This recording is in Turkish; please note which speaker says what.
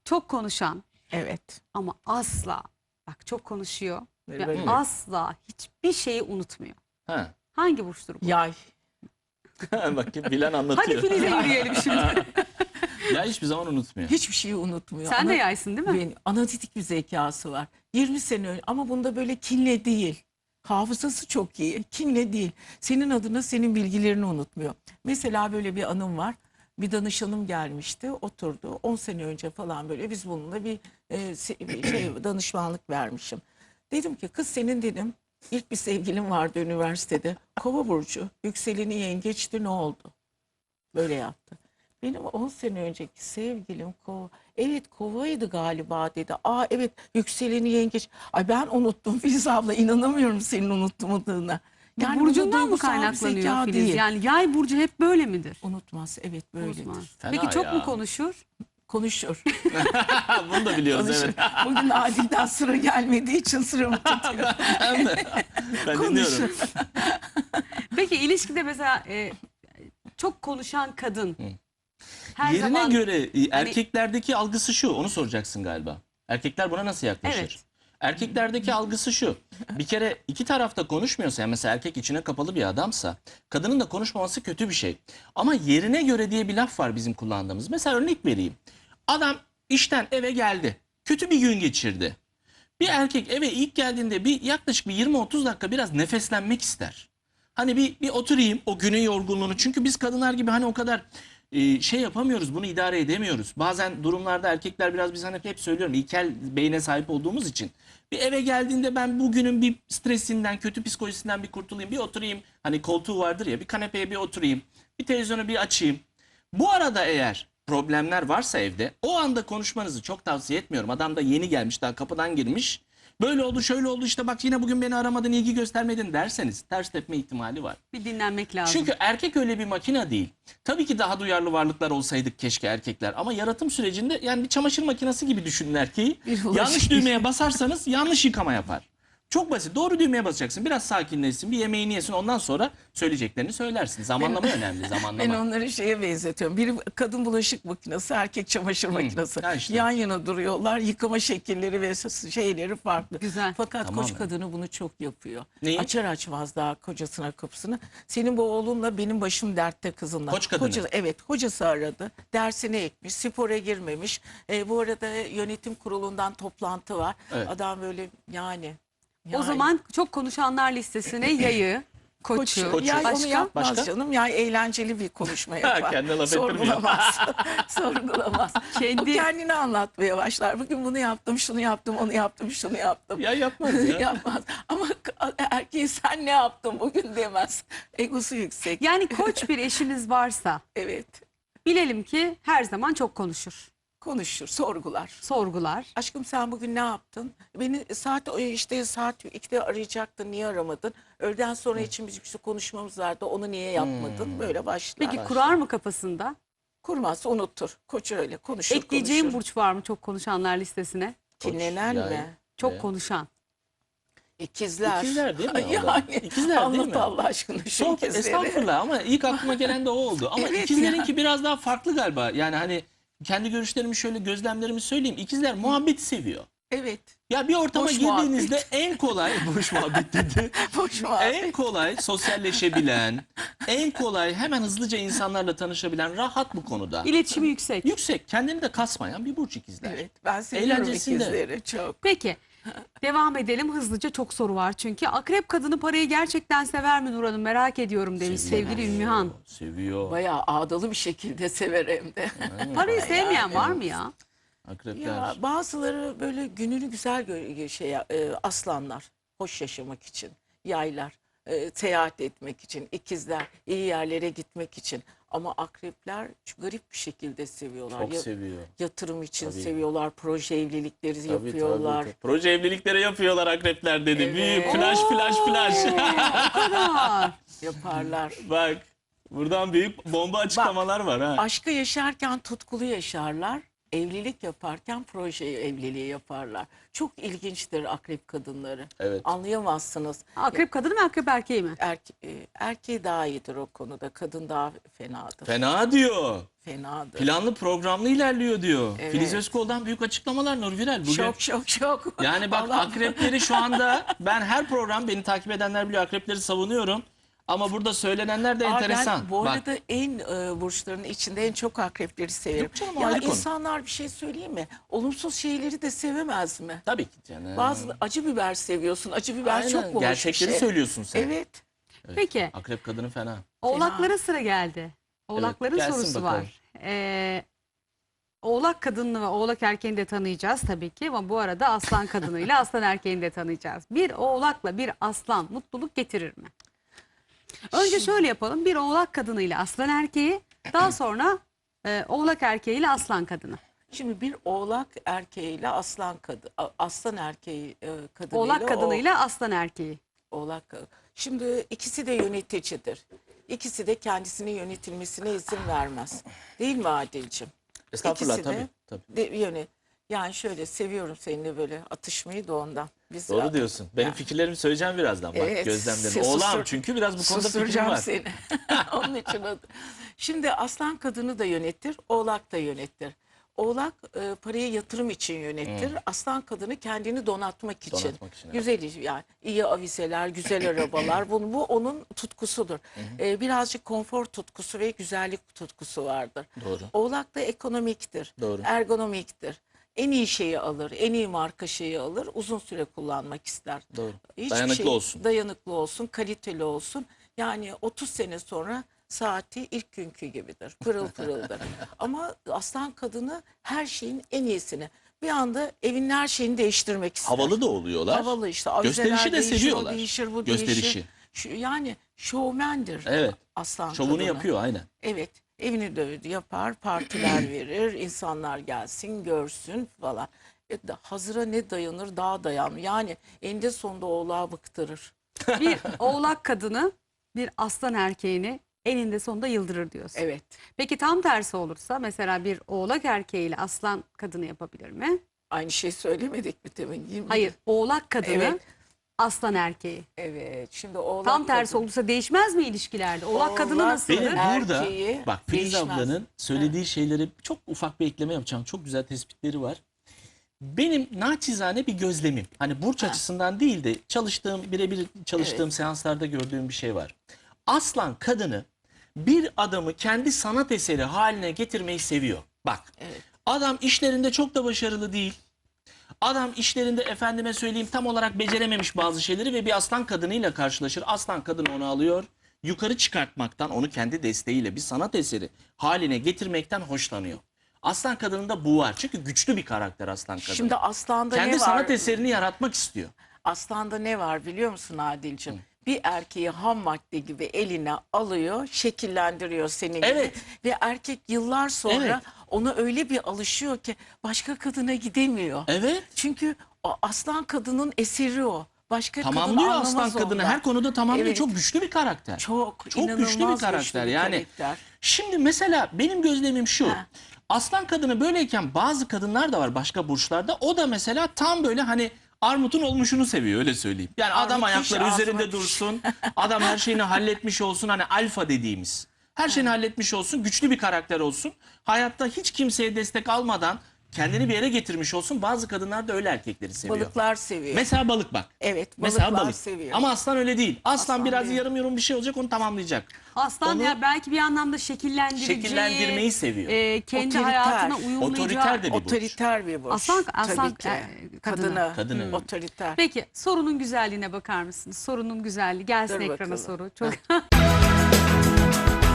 Speaker 1: Çok konuşan
Speaker 2: Evet.
Speaker 1: ama asla, bak çok konuşuyor ve
Speaker 2: Böyle.
Speaker 1: asla hiçbir şeyi unutmuyor.
Speaker 3: Ha.
Speaker 1: Hangi burçtur bu?
Speaker 2: Yay.
Speaker 3: Bakayım bilen
Speaker 1: Hadi
Speaker 3: anlatıyor.
Speaker 1: Filiz'e yürüyelim şimdi.
Speaker 3: Ya hiçbir zaman unutmuyor.
Speaker 2: Hiçbir şeyi unutmuyor.
Speaker 1: Sen de yaysın değil mi?
Speaker 2: Benim analitik bir zekası var. 20 sene önce ama bunda böyle kinle değil. Hafızası çok iyi. Kinle değil. Senin adına senin bilgilerini unutmuyor. Mesela böyle bir anım var. Bir danışanım gelmişti, oturdu. 10 sene önce falan böyle biz bununla bir danışmanlık vermişim. Dedim ki kız senin dedim ilk bir sevgilin vardı üniversitede. Kova burcu. Yükseleni yengeçti, ne oldu? Böyle yaptı. Benim 10 sene önceki sevgilim kova. Evet kovaydı galiba dedi. Aa evet yükseleni yengeç. Ay ben unuttum Filiz abla, inanamıyorum senin unutmadığına.
Speaker 1: Bu
Speaker 2: Yani bu da
Speaker 1: burcundan mı
Speaker 2: duygusal bir
Speaker 1: kaynaklanıyor
Speaker 2: zeka
Speaker 1: Filiz?
Speaker 2: değil.
Speaker 1: Yani yay burcu hep böyle midir?
Speaker 2: Unutmaz, evet böyledir.
Speaker 1: Unutmaz.
Speaker 3: Fena
Speaker 1: Peki çok
Speaker 3: ya.
Speaker 1: mu konuşur?
Speaker 2: Konuşur.
Speaker 3: Bunu da biliyoruz
Speaker 2: Konuşur.
Speaker 3: evet.
Speaker 2: Bugün Adil'den sıra gelmediği için sıramı tutuyor.
Speaker 3: Ben
Speaker 2: Konuşur.
Speaker 3: dinliyorum.
Speaker 1: Peki ilişkide mesela çok konuşan kadın her
Speaker 3: Yerine
Speaker 1: zaman...
Speaker 3: göre erkeklerdeki algısı şu. Onu soracaksın galiba. Erkekler buna nasıl yaklaşır?
Speaker 1: Evet.
Speaker 3: Erkeklerdeki algısı şu. Bir kere iki tarafta konuşmuyorsa, yani mesela erkek içine kapalı bir adamsa kadının da konuşmaması kötü bir şey. Ama yerine göre diye bir laf var bizim kullandığımız. Mesela örnek vereyim. Adam işten eve geldi. Kötü bir gün geçirdi. Bir erkek eve ilk geldiğinde bir yaklaşık bir 20-30 dakika biraz nefeslenmek ister. Hani bir oturayım o günün yorgunluğunu. Çünkü biz kadınlar gibi hani o kadar şey yapamıyoruz, bunu idare edemiyoruz. Bazen durumlarda erkekler biraz, biz hani hep söylüyorum, ilkel beyne sahip olduğumuz için. Bir eve geldiğinde ben bugünün bir stresinden, kötü psikolojisinden bir kurtulayım, bir oturayım. Hani koltuğu vardır ya, bir kanepeye bir oturayım, bir televizyonu bir açayım. Bu arada eğer problemler varsa evde, o anda konuşmanızı çok tavsiye etmiyorum. Adam da yeni gelmiş, daha kapıdan girmiş. Böyle oldu, şöyle oldu, işte bak yine bugün beni aramadın, ilgi göstermedin derseniz ters tepme ihtimali var.
Speaker 1: Bir dinlenmek lazım.
Speaker 3: Çünkü erkek öyle bir makine değil. Tabii ki daha duyarlı varlıklar olsaydık keşke erkekler. Ama yaratım sürecinde yani bir çamaşır makinesi gibi düşünün erkeği.
Speaker 2: Bir bulaşık.
Speaker 3: Yanlış düğmeye basarsanız yanlış yıkama yapar. Çok basit. Doğru düğmeye basacaksın. Biraz sakinleşsin, bir yemeğini yesin. Ondan sonra söyleyeceklerini söylersin. Zamanlama önemli, zamanlama.
Speaker 2: Ben onları şeye benzetiyorum. Biri kadın bulaşık makinesi, erkek çamaşır makinesi.
Speaker 3: ha işte.
Speaker 2: Yan yana duruyorlar. Yıkama şekilleri ve şeyleri farklı.
Speaker 1: Güzel.
Speaker 2: Fakat
Speaker 3: Tamamen.
Speaker 2: koç kadını bunu çok yapıyor.
Speaker 3: Neyi?
Speaker 2: Açar açmaz daha kocasına kapısını. Senin bu oğlunla benim başım dertte kızınla.
Speaker 3: Koç kadını.
Speaker 2: Evet, hocası aradı. Dersine ekmiş, spora girmemiş. Bu arada yönetim kurulundan toplantı var.
Speaker 3: Evet.
Speaker 2: Adam böyle yani.
Speaker 1: O zaman çok konuşanlar listesine yayı, koçu,
Speaker 3: Koçu.
Speaker 2: Ya onu
Speaker 1: başka?
Speaker 2: yapmaz
Speaker 3: Başka?
Speaker 2: canım. Ya eğlenceli bir konuşma yapar.
Speaker 3: Kendine laf ettirmiyor.
Speaker 2: Sorgulamaz. Sorgulamaz.
Speaker 1: Kendi-
Speaker 2: O kendini anlatmaya başlar. Bugün bunu yaptım, şunu yaptım, onu yaptım, şunu yaptım.
Speaker 3: Ya yapmaz ya.
Speaker 2: Yapmaz. Ama erkeği sen ne yaptın bugün demez. Egosu yüksek.
Speaker 1: Yani koç bir eşiniz varsa
Speaker 2: Evet.
Speaker 1: bilelim ki her zaman çok konuşur,
Speaker 2: Konuşur, sorgular.
Speaker 1: sorgular.
Speaker 2: Aşkım sen bugün ne yaptın? Beni saat 2'de arayacaktın, niye aramadın? Öğleden sonra için bir sürü konuşmamız vardı, onu niye yapmadın? Böyle başlar.
Speaker 1: Peki kurar mı kafasında?
Speaker 2: Kurmazsa unutur. Koç öyle konuşur.
Speaker 1: Ekleyeceğim
Speaker 2: konuşur.
Speaker 1: burç var mı çok konuşanlar listesine?
Speaker 2: Kinlenen
Speaker 3: Koç, yay.
Speaker 2: mi?
Speaker 1: Çok
Speaker 3: Evet.
Speaker 1: konuşan.
Speaker 2: İkizler.
Speaker 3: İkizler değil mi?
Speaker 2: Yani
Speaker 3: İkizler değil
Speaker 2: anlat
Speaker 3: mi?
Speaker 2: Allah aşkına şu
Speaker 3: Çok
Speaker 2: ikizleri.
Speaker 3: estağfurullah ama ilk aklıma gelen de o oldu. Ama
Speaker 2: Evet
Speaker 3: ikizlerinki
Speaker 2: ya.
Speaker 3: biraz daha farklı galiba. Yani hani kendi görüşlerimi şöyle, gözlemlerimi söyleyeyim. İkizler muhabbeti seviyor.
Speaker 2: Evet.
Speaker 3: Ya bir ortama
Speaker 2: Boş
Speaker 3: girdiğinizde
Speaker 2: muhabbet.
Speaker 3: en kolay boş muhabbet dedi.
Speaker 2: Boş muhabbet.
Speaker 3: En kolay sosyalleşebilen, en kolay hemen hızlıca insanlarla tanışabilen, rahat bu konuda.
Speaker 1: İletişimi yüksek.
Speaker 3: Yüksek, kendini de kasmayan bir burç ikizler.
Speaker 2: Evet. Ben seviyorum
Speaker 3: Eğlencesinde.
Speaker 2: ikizleri çok.
Speaker 1: Peki devam edelim hızlıca, çok soru var çünkü. Akrep kadını parayı gerçekten sever mi Nur Hanım, merak ediyorum demiş sevgili Ümmühan.
Speaker 3: Seviyor.
Speaker 2: Bayağı ağdalı bir şekilde sever hem de.
Speaker 1: Parayı sevmeyen var mı ya?
Speaker 3: Akrepler.
Speaker 2: Ya bazıları böyle gününü güzel aslanlar, hoş yaşamak için, yaylar, seyahat etmek için, ikizler, iyi yerlere gitmek için. Ama akrepler garip bir şekilde seviyorlar.
Speaker 3: Çok seviyor.
Speaker 2: Yatırım için
Speaker 3: Tabii.
Speaker 2: seviyorlar, proje evlilikleri
Speaker 3: Tabii,
Speaker 2: yapıyorlar.
Speaker 3: tabii. Proje evlilikleri yapıyorlar akrepler dedi.
Speaker 2: Evet.
Speaker 3: Büyük flash flash flash.
Speaker 1: O kadar.
Speaker 2: Yaparlar.
Speaker 3: Bak buradan büyük bomba açıklamalar var ha.
Speaker 2: Aşkı yaşarken tutkulu yaşarlar. evlilik yaparken proje evliliği yaparlar. Çok ilginçtir akrep kadınları.
Speaker 3: Evet.
Speaker 2: Anlayamazsınız.
Speaker 1: Akrep kadını mı akrep erkeği mi?
Speaker 2: Erkeği daha iyidir o konuda. Kadın daha fenadır.
Speaker 3: Fena diyor.
Speaker 2: Fenadır.
Speaker 3: Planlı programlı ilerliyor diyor.
Speaker 2: Evet.
Speaker 3: Filiz Özkol'dan büyük açıklamalar Nur Viral. Bugün...
Speaker 2: Şok.
Speaker 3: Yani bak
Speaker 2: Vallahi-
Speaker 3: akrepleri şu anda ben her program beni takip edenler biliyor akrepleri savunuyorum. Ama burada söylenenler de enteresan.
Speaker 2: Ben bu
Speaker 3: Bak,
Speaker 2: arada en burçların içinde en çok akrepleri severim.
Speaker 3: Yok canım, o
Speaker 2: Ya
Speaker 3: ayrı konu.
Speaker 2: insanlar bir şey söyleyeyim mi? Olumsuz şeyleri de sevemez mi?
Speaker 3: tabii ki canım.
Speaker 2: Bazı acı biber seviyorsun. Acı biber
Speaker 3: Aynen,
Speaker 2: çok hoş bir
Speaker 3: gerçekleri
Speaker 2: şey.
Speaker 3: söylüyorsun sen.
Speaker 2: Evet.
Speaker 1: Peki
Speaker 3: Akrep kadını fena.
Speaker 1: oğlaklara sıra geldi. Oğlakların
Speaker 3: gelsin
Speaker 1: sorusu
Speaker 3: bakalım.
Speaker 1: var. Oğlak kadını ve oğlak erkeğini de tanıyacağız tabii ki ama bu arada aslan kadınıyla aslan erkeğini de tanıyacağız. Bir oğlakla bir aslan mutluluk getirir mi? Önce şöyle yapalım. Bir oğlak kadınıyla aslan erkeği, daha sonra oğlak erkeğiyle aslan kadını.
Speaker 2: Şimdi bir oğlak erkeğiyle aslan erkeği kadınıyla
Speaker 1: Oğlak kadınıyla aslan erkeği.
Speaker 2: oğlak. Şimdi ikisi de yöneticidir. İkisi de kendisinin yönetilmesine izin vermez. Değil mi Adil'ciğim?
Speaker 3: Estağfurullah
Speaker 2: İkisi de
Speaker 3: tabii.
Speaker 2: Yani şöyle seviyorum seninle böyle atışmayı da ondan. Biz
Speaker 3: Doğru diyorsun. Benim
Speaker 2: Yani.
Speaker 3: fikirlerimi söyleyeceğim birazdan. Bak
Speaker 2: Evet,
Speaker 3: gözlemlerim. Oğlağım çünkü biraz bu konuda fikrim
Speaker 2: susturacağım
Speaker 3: var.
Speaker 2: seni. Onun için Şimdi aslan kadını da yönetir, oğlak da yönetir. Oğlak parayı yatırım için yönetir. Aslan kadını kendini donatmak için.
Speaker 3: Donatmak için, evet.
Speaker 2: Güzel iş, yani iyi avizeler, güzel arabalar. Bu onun tutkusudur. Birazcık konfor tutkusu ve güzellik tutkusu vardır.
Speaker 3: Doğru.
Speaker 2: Oğlak da ekonomiktir.
Speaker 3: Doğru.
Speaker 2: Ergonomiktir. En iyi şeyi alır, en iyi marka şeyi alır, uzun süre kullanmak ister.
Speaker 3: Doğru.
Speaker 2: Hiçbir
Speaker 3: Dayanıklı olsun.
Speaker 2: Dayanıklı olsun, kaliteli olsun. Yani 30 sene sonra saati ilk günkü gibidir. Pırıl pırıldır. Ama aslan kadını her şeyin en iyisini. Bir anda evin her şeyini değiştirmek ister.
Speaker 3: Havalı da oluyorlar.
Speaker 2: Havalı işte. Avizeler
Speaker 3: Gösterişi de
Speaker 2: değişir, o
Speaker 3: seviyorlar.
Speaker 2: değişir, bu
Speaker 3: Gösterişi.
Speaker 2: değişir. Yani şovmendir.
Speaker 3: Evet.
Speaker 2: Aslan
Speaker 3: Şovunu
Speaker 2: kadını.
Speaker 3: yapıyor aynen.
Speaker 2: Evet. Evini de yapar, partiler verir, insanlar gelsin, görsün falan. Hazıra ne dayanır, daha dayanır. Yani eninde sonunda oğlağı bıktırır.
Speaker 1: Bir oğlak kadını bir aslan erkeğini eninde sonunda yıldırır diyorsun.
Speaker 2: Evet.
Speaker 1: Peki tam tersi olursa mesela bir oğlak erkeğiyle aslan kadını yapabilir mi?
Speaker 2: Aynı şey söylemedik mi demin? Değil mi?
Speaker 1: Hayır, oğlak kadını
Speaker 2: Evet.
Speaker 1: aslan erkeği.
Speaker 2: Evet. Şimdi oğlak
Speaker 1: Tam tersi
Speaker 2: kadın-
Speaker 1: olursa değişmez mi ilişkilerde? Oğlak kadını
Speaker 2: Oğlak
Speaker 1: nasıldır?
Speaker 3: Benim burada
Speaker 2: erkeği
Speaker 3: bak Filiz
Speaker 2: değişmez.
Speaker 3: ablanın söylediği şeyleri çok ufak bir ekleme yapacağım. Çok güzel tespitleri var. Benim naçizane bir gözlemim. Hani burç açısından değil de birebir çalıştığım seanslarda gördüğüm bir şey var. Aslan kadını bir adamı kendi sanat eseri haline getirmeyi seviyor. Bak
Speaker 2: Evet.
Speaker 3: adam işlerinde çok da başarılı değil. Adam işlerinde efendime söyleyeyim tam olarak becerememiş bazı şeyleri ve bir aslan kadınıyla karşılaşır. Aslan kadın onu alıyor. Yukarı çıkartmaktan, onu kendi desteğiyle bir sanat eseri haline getirmekten hoşlanıyor. Aslan kadınında bu var. Çünkü güçlü bir karakter aslan kadını.
Speaker 2: Şimdi aslanda
Speaker 3: Kendi
Speaker 2: ne var?
Speaker 3: sanat eserini yaratmak istiyor.
Speaker 2: Aslanda ne var biliyor musun Adil'ciğim? Bir erkeği ham madde gibi eline alıyor, şekillendiriyor senin gibi.
Speaker 3: Evet.
Speaker 2: Ve erkek yıllar sonra
Speaker 3: Evet.
Speaker 2: ona öyle bir alışıyor ki başka kadına gidemiyor.
Speaker 3: Evet.
Speaker 2: Çünkü o aslan kadının eseri o. Başka
Speaker 3: Tamamlıyor
Speaker 2: kadın anlamaz
Speaker 3: aslan kadını.
Speaker 2: ondan.
Speaker 3: Her konuda tamamlıyor.
Speaker 2: Evet.
Speaker 3: Çok güçlü bir karakter.
Speaker 2: Çok
Speaker 3: güçlü bir
Speaker 2: inanılmaz
Speaker 3: karakter.
Speaker 2: bir
Speaker 3: Yani
Speaker 2: karakter.
Speaker 3: şimdi mesela benim gözlemim şu.
Speaker 2: Ha.
Speaker 3: Aslan kadını böyleyken bazı kadınlar da var başka burçlarda. O da mesela tam böyle hani armutun olmuşunu seviyor öyle söyleyeyim. Yani adam
Speaker 2: Armut piş,
Speaker 3: ayakları
Speaker 2: ağzıma
Speaker 3: üzerinde
Speaker 2: piş.
Speaker 3: dursun. Adam her şeyini halletmiş olsun. Hani alfa dediğimiz. Her şeyini halletmiş olsun. Güçlü bir karakter olsun. Hayatta hiç kimseye destek almadan kendini bir yere getirmiş olsun. Bazı kadınlar da öyle erkekleri seviyor.
Speaker 2: Balıklar seviyor.
Speaker 3: Mesela balık bak.
Speaker 2: Evet,
Speaker 3: Mesela
Speaker 2: balıklar
Speaker 3: balık.
Speaker 2: seviyor.
Speaker 3: Ama aslan öyle değil. Aslan biraz
Speaker 2: değil.
Speaker 3: yarım yorum bir şey olacak onu tamamlayacak.
Speaker 1: Aslan
Speaker 3: Onu-
Speaker 1: ya belki bir anlamda şekillendireceği,
Speaker 3: Şekillendirmeyi seviyor.
Speaker 1: Kendi
Speaker 2: Otoriter.
Speaker 1: hayatına uyumlayacağı.
Speaker 3: Otoriter de bir burç.
Speaker 2: Otoriter bir burç.
Speaker 1: Aslan
Speaker 2: Tabii ki.
Speaker 1: kadını.
Speaker 3: Kadını.
Speaker 2: Otoriter.
Speaker 1: Peki sorunun güzelliğine bakar mısınız? Sorunun güzelliği gelsin
Speaker 2: Dur
Speaker 1: ekrana
Speaker 2: bakalım.
Speaker 1: soru. Çok